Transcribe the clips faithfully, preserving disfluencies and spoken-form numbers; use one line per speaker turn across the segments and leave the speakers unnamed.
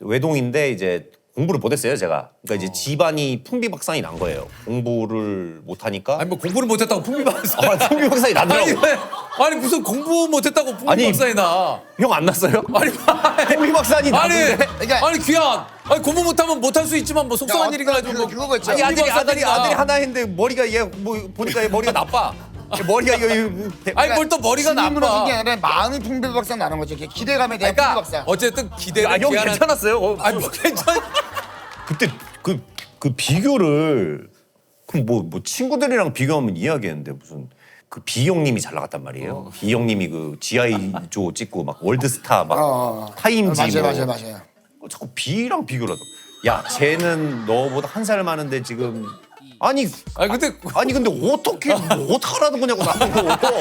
외동인데 이제 공부를 못했어요 제가. 그러니까 이제 집안이 풍비박산이 난 거예요. 공부를 못하니까.
아니 뭐 공부를 못했다고 풍비박산.
아, 풍비박산이
아니
나더라고.
왜? 아니 무슨 공부 못했다고 풍비박산이 나?
형 안 났어요?
아니
풍비박산이
아니
나는데.
그러니까-
아니 귀한. 아니 공부 못하면 못할 수 있지만 뭐 속상한 일이 가지고 뭐.
그거 있죠.
아니 아들이 아들이
풍비박산이나.
아들이 하나 했는데 머리가 얘 뭐 보니까 얘 머리가 나빠. 머리가 이거 이거-
아니 뭘 또 머리가
신문으로
나빠.
게 아니라 마음이 풍비박산 나는 거죠. 이렇게 기대감에 대한
그러니까
풍비박산.
어쨌든 기대를
아, 형
귀한한-
괜찮았어요. 어,
아니 뭐 괜찮.
그때 그, 그 비교를 그럼 뭐, 뭐 친구들이랑 비교하면 이해하겠는데 무슨 그 비형님이 잘 나갔단 말이에요. 비형님이 그 지아이조 찍고 막 월드스타 막
어, 어.
타임지
맞아요,
뭐
맞아요, 맞아요.
어, 자꾸 비랑 비교를 하더라고. 야 쟤는 너보다 한 살 많은데 지금 아니
아니 근데
아니 근데 어떻게 뭐 어떡하라는 거냐고 나보고.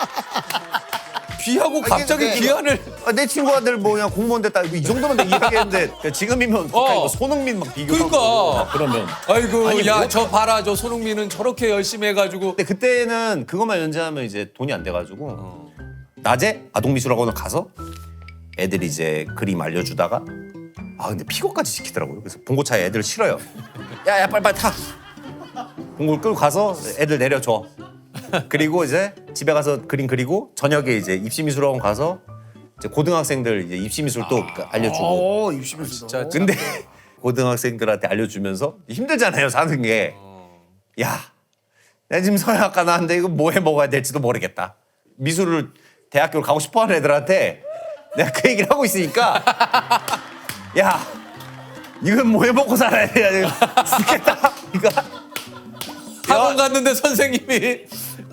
비하고 갑자기
근데-
귀한을.
아, 내 친구 아들 뭐 그냥 공무원 됐다 이 정도면 내가 이해하겠는데 그러니까 지금이면
어.
어. 손흥민 막 비교하고
그러니까.
막 그러면
아이고
아니,
야
뭐-
저 봐라 저 손흥민은 저렇게 열심히 해가지고.
근데 그때는 그것만 연재하면 이제 돈이 안 돼가지고 낮에 아동미술학원을 가서 애들이 이제 그림 알려주다가 아 근데 픽업까지 시키더라고요. 그래서 봉고차에 애들 실어요. 야야 빨리 빨리 타. 봉고를 끌고 가서 애들 내려줘. 그리고 이제 집에 가서 그림 그리고 저녁에 이제 입시미술학원 가서 이제 고등학생들 이제 입시미술 또 알려주고.
오, 입시면서도.
진짜
근데 고등학생들한테 알려주면서 힘들잖아요 사는 게. 야, 내가 지금 서양학과 나왔는데 이거 뭐 해 먹어야 될지도 모르겠다. 미술을 대학교를 가고 싶어하는 애들한테 내가 그 얘기를 하고 있으니까 야, 이건 뭐 해 먹고 살아야 돼. 죽겠다. 그러니까
학원 갔는데 선생님이